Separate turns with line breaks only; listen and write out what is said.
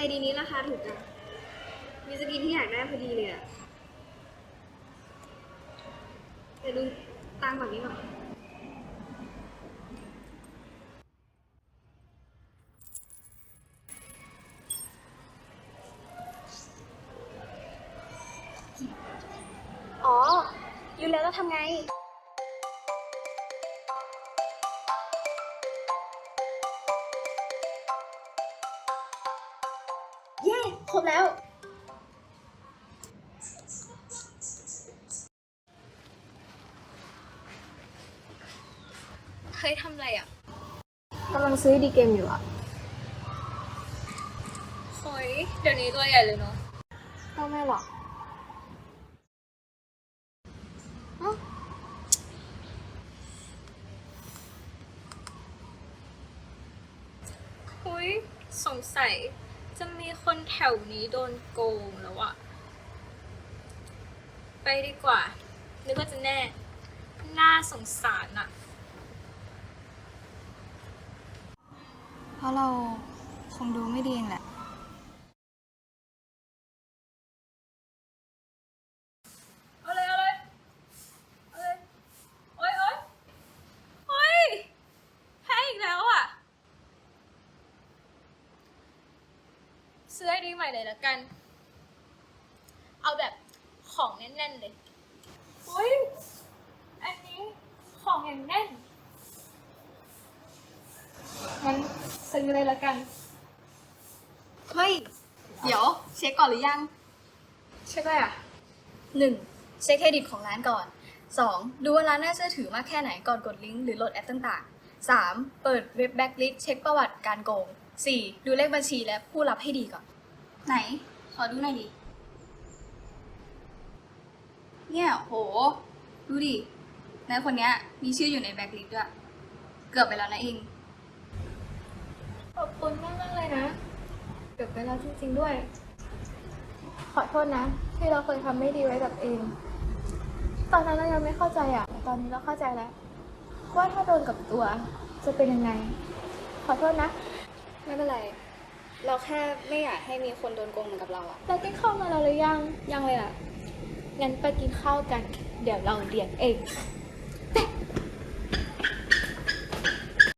ดีนี้ราคาถูกจังมีสกินที่อยากได้พอดีเลยอะเดี๋ยวดูตังค์แบบนี้ก่อนอ๋อรู้แล้วทำไง เย้ครบแล้ว
เฮ้ยทำอะไรอ่ะ
กำลังซื้อดีเกมอยู่อะ
เฮ้ยเดี๋ยวนี้ตัวใหญ่เลยเนาะ
ก็ไม่หรอก
เฮ้ยสงสัยจะมีคนแถวนี้โดนโกงแล้วอะไปดีกว่า นึกว่าจะแน่ น่าสงสารอะ
เพราะเราคงดูไม่ดีเองแหละ
เอาเลยเอาเลยเอาเลยโอ๊ยโอ๊ยเฮ้ยแพ้อีกแล้วอะซื้อไอดีใหม่เลยละกัน เอาแบบของแน่นๆเลยเฮ้ยอันนี้ของอย่างแน่นงั้นซื้อเลยละกัน
เฮ้ย เดี๋ยวเช็คก่อนหรือยัง
ใช่ไหมอะ
1. เช็คเครดิตของร้านก่อน 2. ดูว่าร้านน่าเชื่อถือมากแค่ไหนก่อนกดลิงก์หรือโหลดแอปต่างๆ 3. เปิดเว็บแบ็กลิสต์เช็คประวัติการโกง 4. ดูเลขบัญชีและผู้รับให้ดีก่อน
ไหน ขอดูหน่อยดิ เนี่ยโห ดูดินายคนเนี้ยมีชื่ออยู่ในแบ็คลิสต์ด้วย เกือบไปแล้วนะเอง
ขอบคุณมากเลยนะ เกือบไปแล้วจริงๆด้วย ขอโทษนะ ที่เราเคยทำไม่ดีไว้กับเอง ตอนนั้นเรายังไม่เข้าใจอ่ะแต่ตอนนี้เราเข้าใจแล้ว ว่าถ้าโดนกับตัวจะเป็นยังไง ขอโทษนะ
ไม่เป็นไร เราแค่ไม่อยากให้มีคนโดนโกงเหมือนกับเราอะ
เรากินข้าวมาแล้วหรือยัง ยังเลยอ่ะ งั้นไปกินข้าวกัน เดี๋ยวเราเลี้ยงเอง
ไ